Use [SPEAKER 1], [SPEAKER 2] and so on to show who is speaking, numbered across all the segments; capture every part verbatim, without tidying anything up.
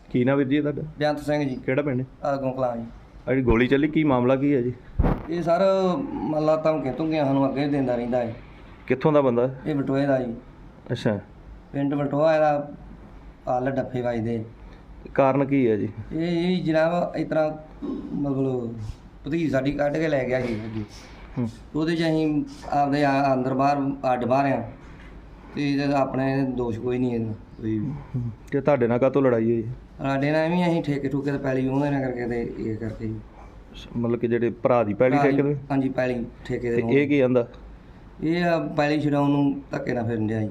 [SPEAKER 1] ਕੀ ਨਾ ਵੀਰ ਜੀ ਤੁਹਾਡਾ?
[SPEAKER 2] ਬੇਅੰਤ ਸਿੰਘ ਜੀ।
[SPEAKER 1] ਕਿਹੜਾ ਪਿੰਡ?
[SPEAKER 2] ਆਗੋਂ ਕਲਾਂ ਜੀ।
[SPEAKER 1] ਆ ਜਿਹੜੀ ਗੋਲੀ ਚੱਲੀ ਕੀ ਮਾਮਲਾ ਕੀ ਹੈ ਜੀ?
[SPEAKER 2] ਇਹ ਸਰ ਮੱਲਾ ਧਮਕੀਆਂ ਧਮਕੀਆਂ ਸਾਨੂੰ ਅੱਗੇ ਵੀ ਦਿੰਦਾ ਰਹਿੰਦਾ ਹੈ।
[SPEAKER 1] ਕਿੱਥੋਂ ਦਾ ਬੰਦਾ?
[SPEAKER 2] ਇਹ ਬਟੋਏ ਦਾ ਜੀ।
[SPEAKER 1] ਅੱਛਾ।
[SPEAKER 2] ਪਿੰਡ ਬਟੋਆ ਇਹਦਾ ਆਲ ਡੱਫੇ ਵੱਜਦੇ।
[SPEAKER 1] ਕਾਰਨ ਕੀ ਹੈ ਜੀ?
[SPEAKER 2] ਇਹ ਇਹ ਜਨਾਬ ਇਸ ਤਰ੍ਹਾਂ ਮਤਲਬ ਭਤੀਜ ਸਾਡੀ ਕੱਢ ਕੇ ਲੈ ਗਿਆ ਜੀ ਅੱਗੇ।
[SPEAKER 1] ਹੂੰ।
[SPEAKER 2] ਉਹਦੇ 'ਚ ਅਸੀਂ ਆਪਦੇ ਆ- ਅੰਦਰ ਬਾਹਰ ਅੱਡ ਬਾਹਰ ਆ ਅਤੇ ਇਹਦਾ ਆਪਣੇ ਦੋਸ਼ ਕੋਈ ਨਹੀਂ ਇਹਦਾ ਕੋਈ ਵੀ।
[SPEAKER 1] ਤੇ ਤੁਹਾਡੇ ਨਾਲ ਕਾਹਤੋਂ ਲੜਾਈ ਹੋਈ?
[SPEAKER 2] ਸਾਡੇ ਨਾਲ ਵੀ ਅਸੀਂ ਠੇਕੇ ਠੂਕੇ ਤੇ ਪੈਲੀ ਉਹਦੇ ਨਾਲ ਕਰਕੇ ਤੇ ਇਹ ਕਰਕੇ ਜੀ।
[SPEAKER 1] ਮਤਲਬ ਕਿ ਜਿਹੜੇ ਭਰਾ ਦੀ ਪੈਲੀ ਠੇਕੇ ਤੇ?
[SPEAKER 2] ਹਾਂਜੀ ਪੈਲੀ ਠੇਕੇ
[SPEAKER 1] ਤੇ
[SPEAKER 2] ਤੇ।
[SPEAKER 1] ਇਹ ਕੀ ਆਂਦਾ?
[SPEAKER 2] ਇਹ ਆ ਪੈਲੀ ਛਡਾਉਣ ਨੂੰ ਧੱਕੇ ਨਾਲ ਫਿਰਨ ਡਿਆ ਜੀ।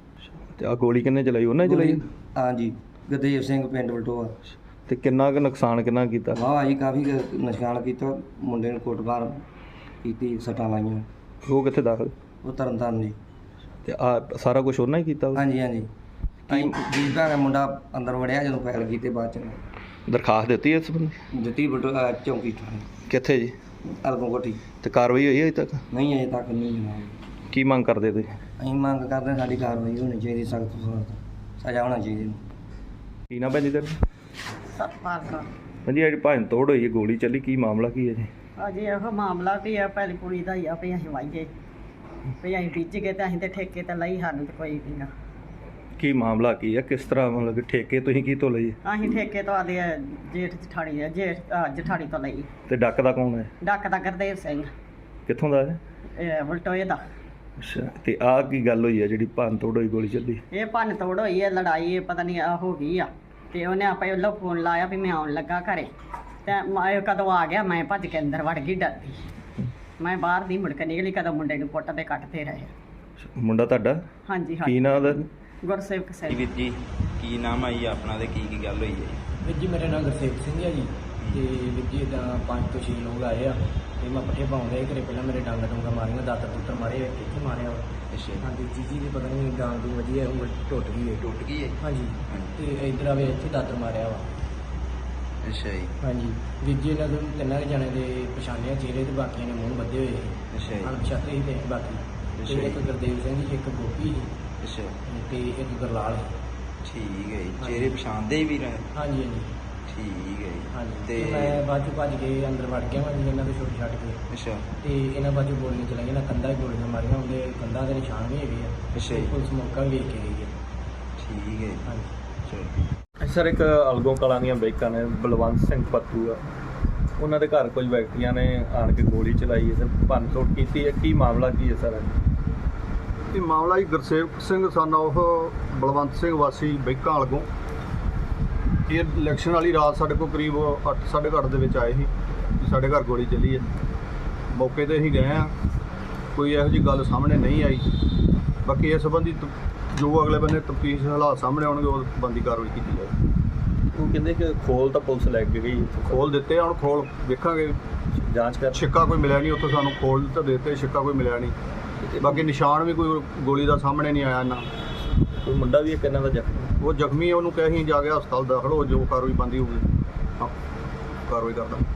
[SPEAKER 1] ਤੇ ਆ ਗੋਲੀ ਕਿੰਨੇ ਚਲਾਈ? ਉਹਨੇ ਚਲਾਈ?
[SPEAKER 2] ਹਾਂਜੀ ਗੁਰਦੇਵ ਸਿੰਘ ਪਿੰਡ ਬਲਟੋਆ।
[SPEAKER 1] ਤੇ ਕਿੰਨਾ ਕੁ ਨੁਕਸਾਨ ਕਿੰਨਾ ਕੀਤਾ?
[SPEAKER 2] ਵਾਹ ਜੀ ਕਾਫੀ ਕੁ ਨੁਕਸਾਨ ਕੀਤਾ। ਮੁੰਡੇ ਨੂੰ ਕੁੱਟਮਾਰ ਕੀਤੀ, ਸੱਟਾਂ ਲਾਈਆਂ।
[SPEAKER 1] ਉਹ ਕਿੱਥੇ ਦਾਖਲ?
[SPEAKER 2] ਉਹ ਤਰਨਤਾਰਨ ਜੀ।
[SPEAKER 1] ਤੇ ਆ ਸਾਰਾ ਕੁਝ ਉਹਨਾਂ ਹੀ ਕੀਤਾ?
[SPEAKER 2] ਹਾਂਜੀ ਹਾਂਜੀ। ਅਸੀਂ ਜੀ ਭੈਣ ਮੁੰਡਾ ਅੰਦਰ ਵੜਿਆ ਜਦੋਂ ਫੈਲ ਕੀਤੇ ਬਾਅਦ ਚ
[SPEAKER 1] ਦਰਖਾਸਤ ਦਿੱਤੀ ਇਸ ਬੰਦੇ?
[SPEAKER 2] ਦਿੱਤੀ ਬਟੋਆ ਚੌਂਕੀ ਥਾਣੇ।
[SPEAKER 1] ਕਿੱਥੇ ਜੀ?
[SPEAKER 2] ਅਲਗੋਂ ਕੋਠੀ।
[SPEAKER 1] ਤੇ ਕਾਰਵਾਈ ਹੋਈ ਹੈ ਅਜੇ ਤੱਕ?
[SPEAKER 2] ਨਹੀਂ ਅਜੇ ਤੱਕ ਨਹੀਂ ਜਨਾਬ।
[SPEAKER 1] ਕੀ ਮੰਗ ਕਰਦੇ ਤੁਸੀਂ?
[SPEAKER 2] ਅਸੀਂ ਮੰਗ ਕਰਦੇ ਹਾਂ ਸਾਡੀ ਕਾਰਵਾਈ ਹੋਣੀ ਚਾਹੀਦੀ, ਸਖਤ ਤੋਂ ਸਖਤ ਸਜ਼ਾ ਹੋਣਾ ਚਾਹੀਦੀ।
[SPEAKER 1] ਕੀ ਨਾ ਭੈਣ ਜੀ ਤੇਰਾ?
[SPEAKER 3] ਸਤਪਾਲ ਕੌਰ।
[SPEAKER 1] ਹਾਂਜੀ ਜਿਹੜੀ ਭੰਨ ਤੋੜ ਹੋਈ ਹੈ, ਗੋਲੀ ਚੱਲੀ, ਕੀ ਮਾਮਲਾ ਕੀ ਹੈ ਜੀ?
[SPEAKER 3] ਅਜੇ ਇਹੋ ਮਾਮਲਾ ਵੀ ਆ ਪਹਿਲੀ ਕੁੜੀ ਦਾ ਹੀ ਆ ਵੀ ਅਸੀਂ ਵਾਈਏ ਵੀ ਅਸੀਂ ਬੀਜ ਗਏ ਤੇ ਅਸੀਂ ਤੇ ਠੇਕੇ ਤੇ ਲਈ, ਸਾਨੂੰ ਤੇ ਕੋਈ ਵੀ ਨਾ।
[SPEAKER 1] ਕੀ ਮਾਮਲਾ ਕੀ ਹੈ? ਕਿਸ ਤਰ੍ਹਾਂ ਮਤਲਬ ਕਿ ਠੇਕੇ ਤੁਸੀਂ ਕੀ ਤੋਂ ਲਈ?
[SPEAKER 3] ਅਸੀਂ ਠੇਕੇ ਤੋਂ ਆਦੇ ਜੇਠ ਜਠਾਣੀ ਆ ਜੇਠ ਅਹ ਜਠਾਣੀ ਤੋਂ ਲਈ।
[SPEAKER 1] ਤੇ ਡੱਕ ਦਾ ਕੌਣ ਹੈ?
[SPEAKER 3] ਡੱਕ ਦਾ ਗੁਰਦੇਵ ਸਿੰਘ
[SPEAKER 1] ਕਿੱਥੋਂ ਦਾ ਹੈ?
[SPEAKER 3] ਇਹ ਬਲਟੋਏ ਦਾ।
[SPEAKER 1] ਅੱਛਾ। ਤੇ ਆਹ ਕੀ ਗੱਲ ਹੋਈ ਹੈ ਜਿਹੜੀ ਭੰਨ ਤੋੜ ਹੋਈ, ਗੋਲੀ ਚੱਲੀ?
[SPEAKER 3] ਇਹ ਭੰਨ ਤੋੜ ਹੋਈ ਹੈ, ਲੜਾਈ ਪਤਾ ਨਹੀਂ ਆ ਹੋ ਗਈ ਆ ਤੇ ਉਹਨੇ ਆਪੇ ਉਹਨੂੰ ਫੋਨ ਲਾਇਆ ਵੀ ਮੈਂ ਆਉਣ ਲੱਗਾ ਘਰੇ ਤੇ ਮੈਂ ਕਦੋਂ ਆ ਗਿਆ, ਮੈਂ ਭੱਜ ਕੇ ਅੰਦਰ ਵੜ ਗਈ ਡਰਦੀ। ਮੈਂ ਬਾਹਰ ਦੀ ਮੁੜ ਕੇ ਨਿਕਲੀ, ਕਦੋਂ ਮੁੰਡੇ ਨੂੰ ਪੁੱਟ ਤੇ ਕੱਟਦੇ ਰਹੇ।
[SPEAKER 1] ਮੁੰਡਾ ਤੁਹਾਡਾ?
[SPEAKER 3] ਹਾਂਜੀ
[SPEAKER 1] ਕੀ
[SPEAKER 3] ਹਾਂਜੀ।
[SPEAKER 1] ਨਾਂ ਉਹਦਾ?
[SPEAKER 3] ਗੁਰਸੇਵਕ ਸਿੰਘ।
[SPEAKER 4] ਵੀਰ ਜੀ ਕੀ ਨਾਮ ਆਈ ਆਪਣਾ ਤੇ ਕੀ ਕੀ ਗੱਲ ਹੋਈ ਹੈ?
[SPEAKER 5] ਵੀਰ ਜੀ ਮੇਰਾ ਨਾਮ ਗੁਰਸੇਵਕ ਸਿੰਘ ਹੈ ਜੀ। ਤੇ ਵੀਰ ਜੀ ਇੱਦਾਂ ਪੰਜ ਤੋਂ ਛੇ ਲੋਕ ਆਏ ਆ ਤੇ ਮੈਂ ਪੱਠੇ ਪਾਉਂਦੇ ਘਰੇ। ਪਹਿਲਾਂ ਮੇਰੇ ਡਾਂਗਾ ਡੂੰਗਾ ਮਾਰੀਆਂ, ਦਾਤਰ ਦੁੱਤਰ ਮਾਰੇ, ਕਿੱਥੇ ਮਾਰਿਆ ਵਾ।
[SPEAKER 4] ਅੱਛਾ।
[SPEAKER 5] ਹਾਂਜੀ ਜੀਜੀ ਦੀ ਪਤਾ ਨਹੀਂ ਡਾਂਗ ਦੀ ਵਜੀ ਹੈ, ਉਂਗਲ ਟੁੱਟ ਗਈ ਹੈ।
[SPEAKER 4] ਟੁੱਟ ਗਈ ਹੈ?
[SPEAKER 5] ਹਾਂਜੀ। ਤੇ ਇੱਧਰ ਆਵੇ ਇੱਥੇ ਦਾਤਰ ਮਾਰਿਆ ਵਾ।
[SPEAKER 4] ਅੱਛਾ ਜੀ।
[SPEAKER 5] ਹਾਂਜੀ ਵੀਰ ਜੀ ਇਹਨਾਂ ਦੇ ਤਿੰਨਾਂ ਕੁ ਜਣੇ ਦੇ ਪਛਾਣਿਆ ਚਿਹਰੇ ਤੇ, ਬਾਕੀਆਂ ਨੇ ਮੂੰਹ ਬੱਧੇ ਹੋਏ ਸੀ।
[SPEAKER 4] ਅੱਛਾ ਜੀ।
[SPEAKER 5] ਅਣਪਛਾਤੇ ਸੀ ਤੇ ਬਾਕੀ
[SPEAKER 4] ਅੱਛਾ
[SPEAKER 5] ਤੇ
[SPEAKER 4] ਜੀ।
[SPEAKER 5] ਇੱਕ ਗੁਰਦੇਵ ਸਿੰਘ ਜੀ, ਇੱਕ ਗੋਪੀ ਜੀ
[SPEAKER 4] ਅੱਛਾ
[SPEAKER 5] ਤੇ ਇੱਕ ਗੁਰਲਾਲ ਸੀ।
[SPEAKER 4] ਠੀਕ ਹੈ ਜੀ।
[SPEAKER 5] ਹਾਂਜੀ।
[SPEAKER 4] ਚਿਹਰੇ ਪਛਾਣਦੇ ਹੀ ਵੀ ਰਹੇ?
[SPEAKER 5] ਹਾਂਜੀ ਹਾਂਜੀ
[SPEAKER 4] ਠੀਕ ਹੈ ਜੀ।
[SPEAKER 5] ਹਾਂਜੀ।
[SPEAKER 4] ਤੇ
[SPEAKER 5] ਤੇ ਮੈਂ ਬਾਅਦ ਚੋਂ ਭੱਜ ਕੇ ਅੰਦਰ ਵੜ ਗਿਆ ਵਾਂ ਜੀ ਇਹਨਾਂ ਦੇ ਛੁੱਟ ਛੱਡ ਕੇ।
[SPEAKER 4] ਅੱਛਾ।
[SPEAKER 5] ਤੇ ਇਹਨਾਂ ਬਾਜੂ ਗੋਲੀਆਂ ਚਲਾਈਆਂ ਨਾ, ਕੰਧਾਂ 'ਚ ਗੋਲੀਆਂ ਮਾਰੀਆਂ, ਉਹਦੇ ਕੰਧਾਂ ਦੇ ਨਿਸ਼ਾਨ ਵੀ ਹੈਗੇ ਆ।
[SPEAKER 4] ਅੱਛਾ ਜੀ।
[SPEAKER 5] ਪੁਲਿਸ ਮੌਕਾ ਵੀ ਵੇਖ ਕੇ ਗਈ ਹੈ।
[SPEAKER 4] ਠੀਕ ਹੈ ਜੀ।
[SPEAKER 5] ਹਾਂਜੀ।
[SPEAKER 4] ਚਲੋ।
[SPEAKER 1] ਸਰ ਇੱਕ ਅਲਗੋਂ ਕਲਾਂ ਦੀਆਂ ਬਾਈਕਾਂ ਨੇ ਬਲਵੰਤ ਸਿੰਘ ਪੱਤੂ ਆ, ਉਹਨਾਂ ਦੇ ਘਰ ਕੁਝ ਵਿਅਕਤੀਆਂ ਨੇ ਆਣ ਕੇ ਗੋਲੀ ਚਲਾਈ ਹੈ ਤੇ ਭੰਨ ਤੋੜ ਕੀਤੀ ਹੈ। ਕੀ ਮਾਮਲਾ ਕੀ ਹੈ ਸਰ?
[SPEAKER 6] ਇਹ ਮਾਮਲਾ ਜੀ ਗੁਰਸੇਵਕ ਸਿੰਘ ਸਨ ਉਹ ਬਲਵੰਤ ਸਿੰਘ ਵਾਸੀ ਬੈਂਕਾਂ ਅਲਗੋਂ। ਇਹ ਇਲੈਕਸ਼ਨ ਵਾਲੀ ਰਾਤ ਸਾਡੇ ਕੋਲ ਕਰੀਬ ਅੱਠ ਸਾਢੇ ਕੁ ਅੱਠ ਦੇ ਵਿੱਚ ਆਏ ਸੀ ਕਿ ਸਾਡੇ ਘਰ ਗੋਲੀ ਚੱਲੀ ਹੈ। ਮੌਕੇ 'ਤੇ ਅਸੀਂ ਗਏ ਹਾਂ, ਕੋਈ ਇਹੋ ਜਿਹੀ ਗੱਲ ਸਾਹਮਣੇ ਨਹੀਂ ਆਈ। ਬਾਕੀ ਇਸ ਸੰਬੰਧੀ ਤ- ਜੋ ਅਗਲੇ ਬੰਨੇ ਤਫਤੀਸ਼ ਹਾਲਾਤ ਸਾਹਮਣੇ ਆਉਣਗੇ ਉਹ ਬੰਦੀ ਕਾਰਵਾਈ ਕੀਤੀ ਜਾਏਗੀ।
[SPEAKER 1] ਉਹ ਕਹਿੰਦੇ ਕਿ ਖੋਲ ਤਾਂ ਪੁਲਿਸ ਲੈ ਕੇ ਗਈ,
[SPEAKER 6] ਖੋਲ ਦਿੱਤੇ ਆ, ਹੁਣ ਖੋਲ ਵੇਖਾਂਗੇ।
[SPEAKER 1] ਜਾਂਚ ਕਰ।
[SPEAKER 6] ਛਿੱਕਾ ਕੋਈ ਮਿਲਿਆ ਨਹੀਂ ਉੱਥੋਂ, ਸਾਨੂੰ ਖੋਲ ਤਾਂ ਦਿੱਤੇ, ਛਿੱਕਾ ਕੋਈ ਮਿਲਿਆ ਨਹੀਂ। ਬਾਕੀ ਨਿਸ਼ਾਨ ਵੀ ਕੋਈ ਗੋਲੀ ਦਾ ਸਾਹਮਣੇ ਨਹੀਂ ਆਇਆ ਨਾ।
[SPEAKER 1] ਕੋਈ ਮੁੰਡਾ ਵੀ ਇੱਕ ਇਹਨਾਂ ਦਾ ਜ਼ਖਮੀ?
[SPEAKER 6] ਉਹ ਜ਼ਖਮੀ ਹੈ, ਉਹਨੂੰ ਕਹਿ ਅਸੀਂ ਜਾ ਕੇ ਹਸਪਤਾਲ ਦਾਖਲ ਹੋ, ਜੋ ਕਾਰਵਾਈ ਬਣਦੀ ਹੋਊਗੀ ਹਾਂ ਕਾਰਵਾਈ ਕਰਦਾ।